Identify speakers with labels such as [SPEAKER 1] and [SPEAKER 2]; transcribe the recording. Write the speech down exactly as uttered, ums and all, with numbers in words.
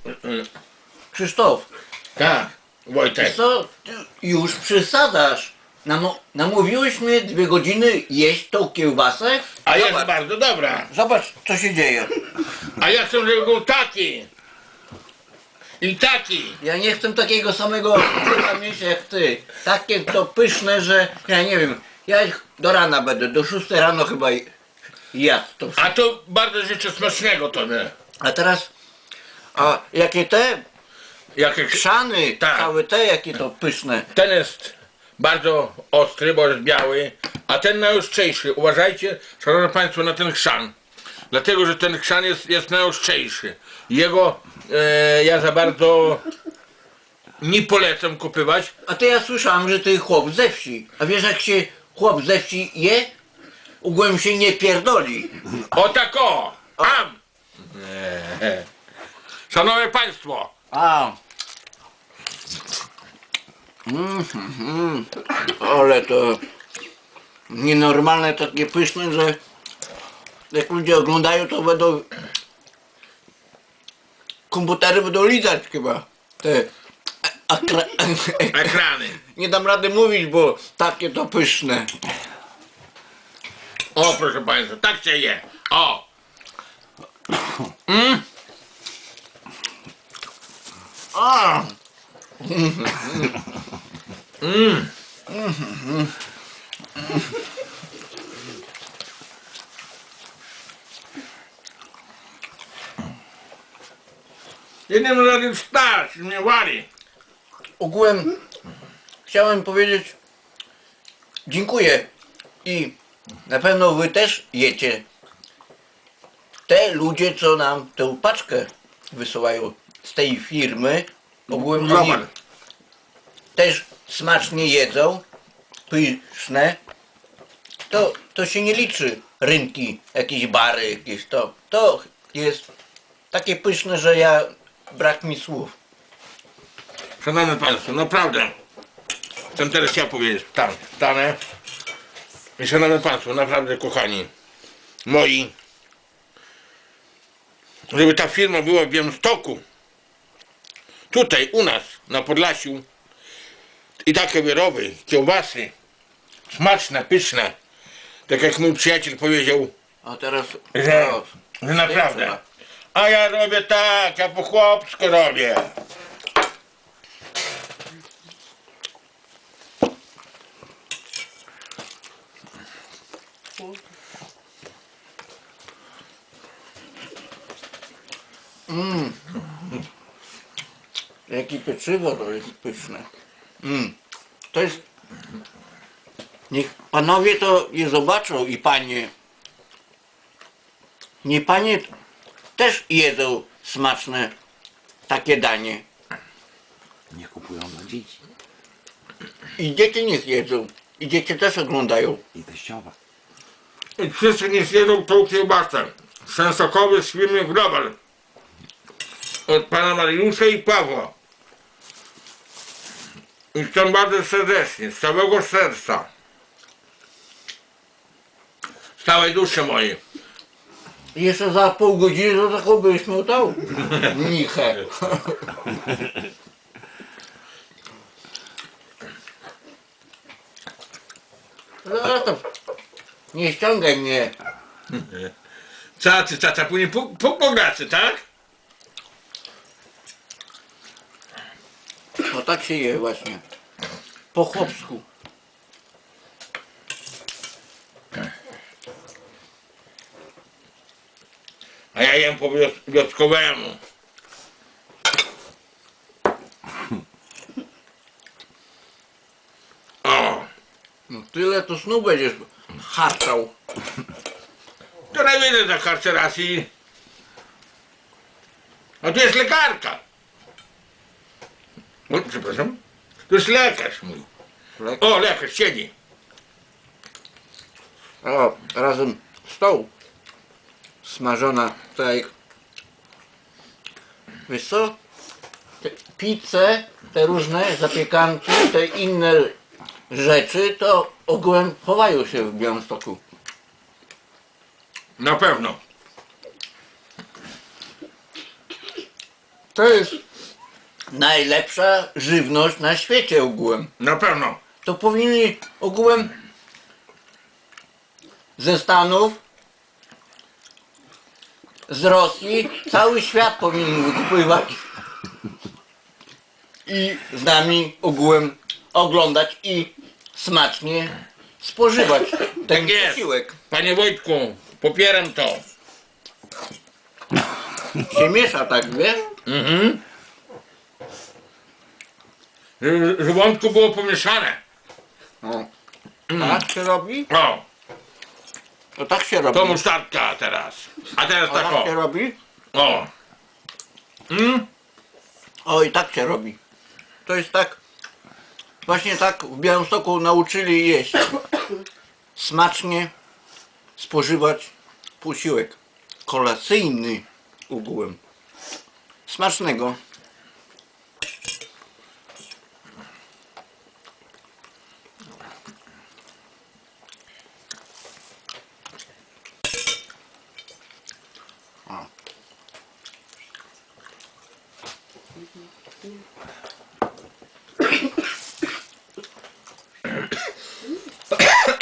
[SPEAKER 1] Krzysztof,
[SPEAKER 2] Tak, Wojtek.
[SPEAKER 1] co ty już przesadzasz? Nam, namówiłeś mnie dwie godziny jeść tą kiełbasę?
[SPEAKER 2] A jest
[SPEAKER 1] Zobacz,
[SPEAKER 2] bardzo dobra.
[SPEAKER 1] zobacz co się dzieje.
[SPEAKER 2] A ja chcę, żeby był taki. I taki.
[SPEAKER 1] Ja nie chcę takiego samego brzucha mieć jak ty. Takie to pyszne, że ja nie wiem. Ja ich do rana będę, do szóstej rano chyba jadł to wszystko.
[SPEAKER 2] A to bardzo życzę smacznego tobie.
[SPEAKER 1] A teraz, a jakie te
[SPEAKER 2] Jakie
[SPEAKER 1] krzany,
[SPEAKER 2] Tak.
[SPEAKER 1] całe te, jakie to pyszne.
[SPEAKER 2] Ten jest bardzo ostry, bo jest biały, a ten najostrzejszy. Uważajcie, szanowni państwo, na ten chrzan. Dlatego, że ten chrzan jest, jest najostrzejszy. Jego e, ja za bardzo nie polecam kupywać.
[SPEAKER 1] A ty ja słyszałem, że ty chłop ze wsi. A wiesz jak się chłop ze wsi je? Ugłem się nie pierdoli.
[SPEAKER 2] O tak o! Am! Nie. Szanowni państwo,
[SPEAKER 1] A. Mm, mm, ale to nienormalne, takie pyszne, że jak ludzie oglądają, to będą komputery będą lizać chyba. Te akra...
[SPEAKER 2] ekrany.
[SPEAKER 1] Nie dam rady mówić, bo takie to pyszne.
[SPEAKER 2] O, proszę państwa, tak się je. O! Mm?
[SPEAKER 1] A.
[SPEAKER 2] Mm. Jednym razem wstać, mnie wali.
[SPEAKER 1] Ogółem chciałem powiedzieć dziękuję i na pewno wy też jecie. Te ludzie, co nam tę paczkę wysyłają z tej firmy, ogółem oni
[SPEAKER 2] Global.
[SPEAKER 1] też smacznie jedzą, pyszne. To, to się nie liczy rynki, jakieś bary, jakieś to. To jest takie pyszne, że ja brak mi słów.
[SPEAKER 2] Szanowni państwo, naprawdę. Chcę teraz ja powiedzieć. Tam, stanę. I szanowni państwo, naprawdę kochani moi, żeby ta firma była w Białymstoku, tutaj u nas na Podlasiu, i takie wyroby, kiełbasy, smaczne, pyszne, tak jak mój przyjaciel powiedział,
[SPEAKER 1] A teraz
[SPEAKER 2] że,
[SPEAKER 1] o,
[SPEAKER 2] że naprawdę. A ja robię tak, ja po chłopsku robię.
[SPEAKER 1] Mm. Jakie pieczywo to jest pyszne. Mm. To jest... Niech panowie to je zobaczą i panie. Nie panie też jedzą smaczne takie danie.
[SPEAKER 3] Nie kupują dla dzieci
[SPEAKER 1] I dzieci niech jedzą. I dzieci też oglądają.
[SPEAKER 3] i teściowa.
[SPEAKER 2] I wszyscy nie zjedzą tą kiełbasę. Sensokowy z firmy Global. Od pana Mariusza i Pawła. I chcę bardzo serdecznie, z całego serca, z całej duszy mojej.
[SPEAKER 1] I jeszcze za pół godziny to taką byś miał tą nichę. No to nie ściągaj mnie.
[SPEAKER 2] Cacy, caca, później po, po, po gracy, tak?
[SPEAKER 1] No tak się je właśnie. Po chłopsku.
[SPEAKER 2] A ja jem po wios- wioskowemu. O,
[SPEAKER 1] No tyle to snu będziesz harczał.
[SPEAKER 2] to najwięcej za karceracji. A tu jest lekarka. O, przepraszam. To jest lekarz mój.
[SPEAKER 1] Lek-
[SPEAKER 2] O, lekarz siedzi.
[SPEAKER 1] O, razem z tą smażona tutaj. Wiesz co? Te pizze, te różne zapiekanki, te inne rzeczy to ogółem chowają się w Białymstoku.
[SPEAKER 2] Na pewno.
[SPEAKER 1] To jest najlepsza żywność na świecie ogółem.
[SPEAKER 2] Na pewno.
[SPEAKER 1] To powinni ogółem ze Stanów, z Rosji, cały świat powinien wykupywać i z nami ogółem oglądać i smacznie spożywać ten
[SPEAKER 2] Tak jest.
[SPEAKER 1] posiłek.
[SPEAKER 2] Panie Wojtku, popieram to.
[SPEAKER 1] Się miesza tak, wiesz?
[SPEAKER 2] Mhm. Żeby żołądku było pomieszane.
[SPEAKER 1] O. Tak się robi?
[SPEAKER 2] O,
[SPEAKER 1] To tak się robi.
[SPEAKER 2] to musztardka teraz. A teraz
[SPEAKER 1] O,
[SPEAKER 2] tak
[SPEAKER 1] tak
[SPEAKER 2] o.
[SPEAKER 1] się robi?
[SPEAKER 2] O. Mm?
[SPEAKER 1] O, i tak się robi. To jest tak, właśnie tak w Białymstoku nauczyli jeść. Smacznie spożywać posiłek kolacyjny ogółem. Smacznego. O.